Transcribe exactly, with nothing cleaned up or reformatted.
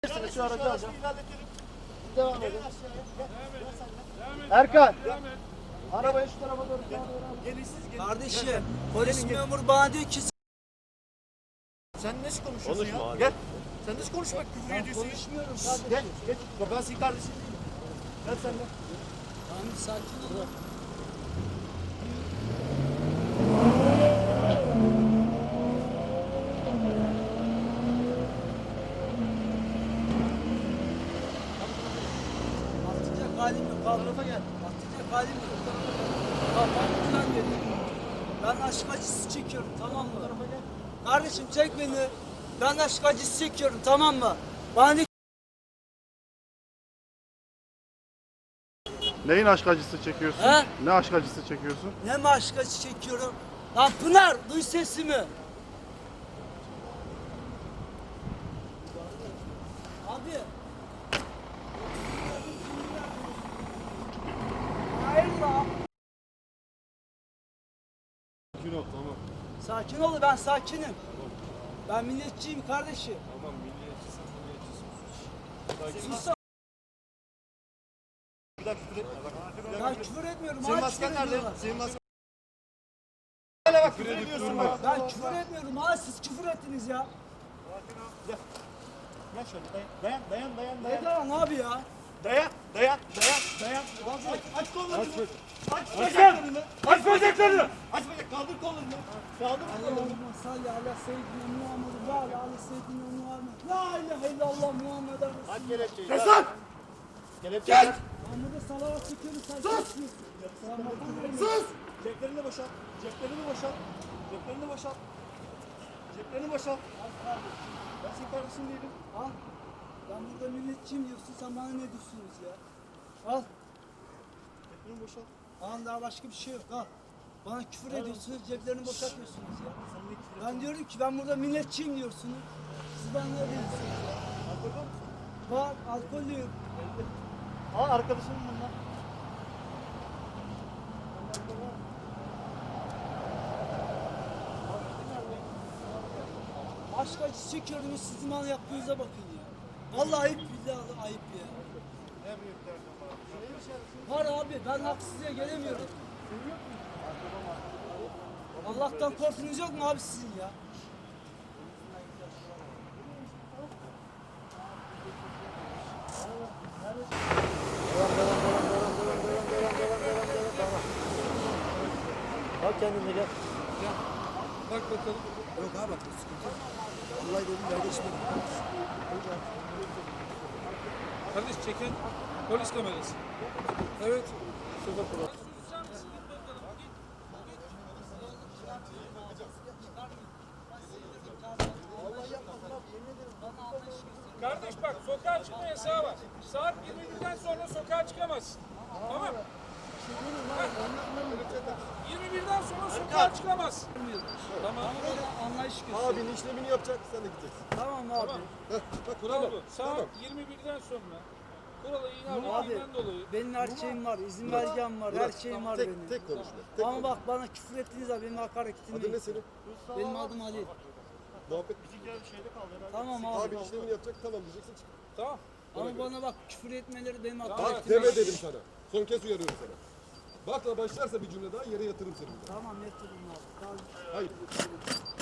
Şu aracı alacağım. Devam edin. Erkan. Arabayı şu tarafa doğru. Kardeşim, polis memuru bana diyor ki Sen nasıl konuşuyorsun Konuşma ya? abi. Gel. Sen nasıl konuşmak küfür ediyorsun? konuşmuyorum kardeşim. Gel. Geç. Bak ben senin kardeşim değilim. Gel sen de. Tamam, sakin ol. Atacak halim yok. Kalk. Tarafa gel. Atacak halim yok. Bak ben güzel dedim. Ben aşk acısı çekiyorum, tamam mı? Kardeşim çek beni. Ben aşk acısı çekiyorum, tamam mı? Bana de Neyin aşk acısı çekiyorsun? He? Ne aşk acısı çekiyorsun? ne mi aşk acısı çekiyorum? Lan Pınar, duy sesimi. Abi. Hayır lan. Sakin ol tamam. Sakin ol, ben sakinim. Ben milliyetçiyim kardeşim. Tamam milliyetçisin milliyetçisin. Sus. Bir dakika küfür etme. Bak. Ben küfür etmiyorum. Senin hala masken küfür nerede? ediyorlar. Senin masken. Hele bak küfür ediyorsun bak. Ben küfür etmiyorum. Hala siz küfür ettiniz ya. Gel. Gel şöyle dayan. Dayan dayan dayan Ne dayan. lan abi ya? Dayan dayan dayan dayan. Aç, aç kollarını. Aç, aç bacaklarını. Aç bacaklarını. Aç bacak. Kaldır kollarını. Kaldır kollarını. Allahümme salli ala seyyidina Muhammed ve ala ala seyyidina Muhammed. La ilahe illallah Muhammed Resulullah. Aç kelepçeyi. Kes lan. Kelepçeyi. Gel. Muhammed'e salavat çekiyoruz sen. Sus! Sus! Sus. Ceplerini boşalt. Ceplerini boşalt. Ceplerini boşalt. Ceplerini boşalt. Ben senin kardeşin değilim. Al. Ben burada milletçiyim diyorsun, sen bana ne diyorsunuz ya? Al. Ceplerini boşalt. Al, daha başka bir şey yok, al. Bana küfür ediyorsunuz, ceplerini boşaltıyorsunuz ya. Sen ne küfür Ben diyorum ki ben burada milletçiyim diyorsunuz. Siz bana ne diyorsunuz ya? Alkol var mı? Var, alkollüyüm. Aa arkadaşım bunlar. Aşk acısı çekiyorum, sizin bana yaptığınıza bakın ya. Vallahi ayıp, billahi ayıp ya. Ne büyük derdin var. Var abi, ben haksızlığa gelemiyorum. Allah'tan korkunuz yok mu abi sizin ya? Bak kendine gel. Bak bakalım. Yok abi bak sıkıntı yok. Vallahi dedim nerede içmedim. Kardeş çeken polis kamerası. Evet. Şurada kulak. Kardeş bak sokağa çıkma yasağı var. Saat yirmi birden sonra sokağa çıkamazsın. Tamam. yirmi birden sonra sokağa çıkamazsın. Tamam. Anlayış göster. Abinin işlemini yapacak, sen de gideceksin. Tamam abi. Bak Kural bu. Saat yirmi birden sonra kurala Abi, ihlalinden dolayı. benim her şeyim var, izin belgem var, her şeyim var tek, benim. tek konuşma. Tek Ama konuşma. bak bana küfür ettiniz abi, benim hakaret Adın ne etmeyin. senin? Benim adım Ali. Muhabbet. Tamam abi. Abinin işlemini yapacak, tamam diyeceksin çık. Tamam. Ama bana bak küfür etmeleri benim Bak hakaret deme etmeyin. dedim sana. Son kez uyarıyorum sana. Bakla başlarsa bir cümle daha yere yatırırım seni. Tamam, yatırın abi. Tamam. Hayır.